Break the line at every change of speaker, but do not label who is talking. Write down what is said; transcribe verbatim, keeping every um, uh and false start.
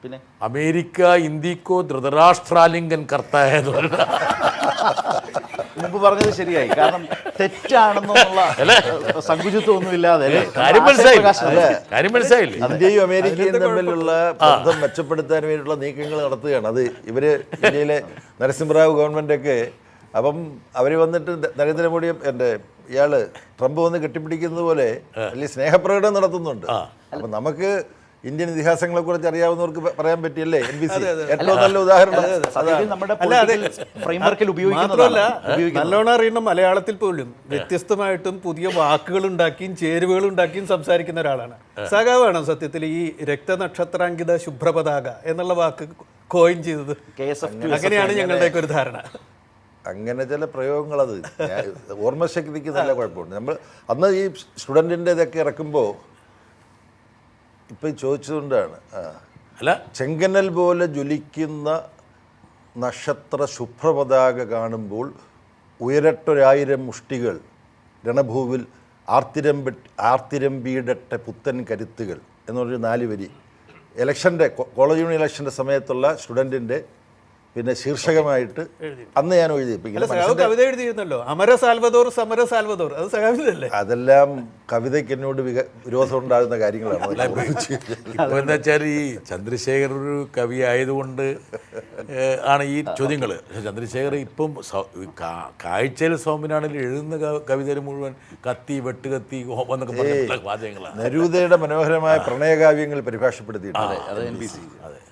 പിന്നെ
അമേരിക്ക ഇന്ത്യക്കോ ധൃതരാഷ്ട്രാലിംഗൻ കർത്തായത്
മുമ്പ് പറഞ്ഞത് ശരിയായി. കാരണം തെറ്റാണെന്നുള്ള സങ്കുചിത്വമൊന്നും ഇല്ലാതെ
കാര്യം മനസ്സിലായില്ലേ? കാര്യം മനസ്സിലായില്ലേ?
ഇന്ത്യയും അമേരിക്കയും തമ്മിലുള്ള ബന്ധം മെച്ചപ്പെടുത്താൻ വേണ്ടിയുള്ള നീക്കങ്ങൾ നടത്തുകയാണ്. അത് ഇവര് ഇന്ത്യയിലെ നരസിംഹറാവു ഗവൺമെന്റൊക്കെ അപ്പം അവർ വന്നിട്ട് നരേന്ദ്രമോദിയും എൻ്റെ ഇയാള് ട്രംപ് വന്ന് കെട്ടിപ്പിടിക്കുന്നത് പോലെ വലിയ സ്നേഹപ്രകടനം നടത്തുന്നുണ്ട്. അപ്പം നമുക്ക് ഇന്ത്യൻ ഇതിഹാസങ്ങളെ കുറിച്ച് അറിയാവുന്നവർക്ക് പറയാൻ പറ്റിയല്ലേ എൻ ബി സി ഏറ്റവും നല്ല ഉദാഹരണം.
മാത്രമല്ല നല്ലോണം അറിയണം മലയാളത്തിൽ പോലും വ്യത്യസ്തമായിട്ടും പുതിയ വാക്കുകൾ ഉണ്ടാക്കിയും ചേരുവകൾ ഉണ്ടാക്കിയും സംസാരിക്കുന്ന ഒരാളാണ്. സഖാവാണ് സത്യത്തിൽ ഈ രക്തനക്ഷത്രാങ്കിത ശുഭ്രപതാക എന്നുള്ള വാക്ക് കോയിൻ ചെയ്തത്. അങ്ങനെയാണ് ഞങ്ങളുടെയൊക്കെ ഒരു ധാരണ.
അങ്ങനെ ചില പ്രയോഗങ്ങൾ അത് ഓർമ്മശക്തിക്ക് നല്ല കുഴപ്പമുണ്ട്. നമ്മൾ അന്ന് ഈ സ്റ്റുഡൻറ്റിൻ്റെ ഇതൊക്കെ ഇറക്കുമ്പോൾ ഇപ്പം ചോദിച്ചതുകൊണ്ടാണ്
അല്ല
ചെങ്കനൽ പോലെ ജ്വലിക്കുന്ന നക്ഷത്ര ശുഭ്രപതാക കാണുമ്പോൾ ഉയരട്ടൊരായിരം മുഷ്ടികൾ രണഭൂവിൽ ആർത്തിരമ്പ ആർത്തിരമ്പിയിടട്ടെ പുത്തൻ കരുത്തുകൾ എന്നൊരു നാല് വരി ഇലക്ഷൻ്റെ കോളേജ് യൂണിയൻ ഇലക്ഷൻ്റെ സമയത്തുള്ള സ്റ്റുഡൻറ്റിൻ്റെ പിന്നെ ശീർഷകമായിട്ട് അന്ന് ഞാൻ എഴുതി.
കവിത എഴുതിയിരുന്നല്ലോ, അമര സാൽവദോർ സമര സാൽവദോർ, അത് സഖാവിതല്ലേ?
അതെല്ലാം കവിതയ്ക്ക് എന്നോട് വിരോധം ഉണ്ടാകുന്ന കാര്യങ്ങളാണ്.
ഇപ്പൊ എന്താ വെച്ചാൽ ഈ ചന്ദ്രശേഖർ ഒരു കവി ആയതുകൊണ്ട് ആണ് ഈ ചോദ്യങ്ങൾ. പക്ഷെ ചന്ദ്രശേഖർ ഇപ്പം കാഴ്ചയിൽ സൗമ്യനാണെങ്കിൽ എഴുതുന്ന കവിതയിൽ മുഴുവൻ കത്തി വെട്ടുകത്തി എന്നൊക്കെ പറഞ്ഞിട്ടുള്ള വാചകങ്ങളാണ്.
നരൂദയുടെ മനോഹരമായ പ്രണയകാവ്യങ്ങൾ പരിഭാഷപ്പെടുത്തിയിട്ടുണ്ട്.
അതെ.